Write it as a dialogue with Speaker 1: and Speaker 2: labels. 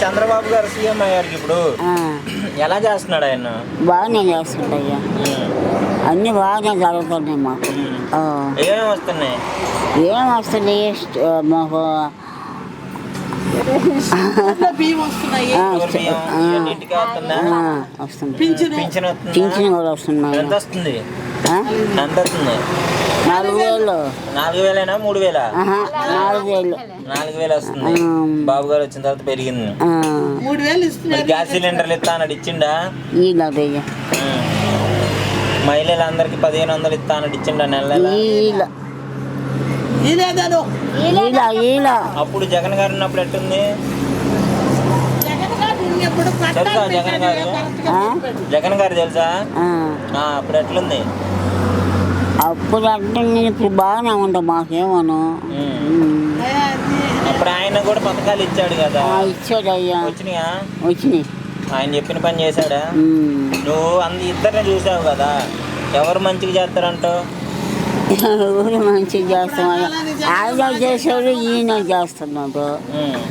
Speaker 1: చంద్రబాబు గారు సీఎం అయ్యారు ఇప్పుడు, ఎలా చేస్తున్నాడు ఆయన?
Speaker 2: బాగానే చేస్తుంటయ్యా, అన్నీ బాగానే జరుగుతున్నాయి మాకు.
Speaker 1: ఏమేమి వస్తున్నాయి?
Speaker 2: ఏం వస్తుంది మాకు వస్తుంది, పింఛన్ కూడా వస్తున్నాయి.
Speaker 1: ఎంత వస్తుంది?
Speaker 2: 4000.
Speaker 1: 4000 3,000?
Speaker 2: 4000.
Speaker 1: 4000 వస్తుంది. బాబు గారు వచ్చిన తర్వాత పెరిగింది.
Speaker 3: 3000 ఇస్తున్నారు.
Speaker 1: గ్యాస్ సిలిండర్లు ఇస్తా అన్నాడు, ఇచ్చిండా?
Speaker 2: ఇలాదయ్యా
Speaker 1: మహిళలందరికి 1500 ఇస్తా అన్నాడు, ఇచ్చిండా? నెల అప్పుడు జగన్ గారు ఉన్నప్పుడు ఎట్టుంది? తెలుసా జగన్ గారు? జగన్ గారు తెలుసా? అప్పుడు ఎట్లుంది?
Speaker 2: అప్పుడు అంటే ఇప్పుడు బాగానే ఉంటాం మాకేమోను.
Speaker 1: అప్పుడు ఆయన కూడా పథకాలు ఇచ్చాడు కదా.
Speaker 2: ఇచ్చాడయ్యా.
Speaker 1: వచ్చినాయా?
Speaker 2: వచ్చినాయి.
Speaker 1: ఆయన చెప్పిన పని చేశాడా? నువ్వు ఇద్దరిని చూసావు కదా, ఎవరు మంచిగా చేస్తారంటావు?
Speaker 2: ఎవరు మంచిగా చేస్తాం, ఆయన చేసాడు, ఈయన చేస్తున్నాడు.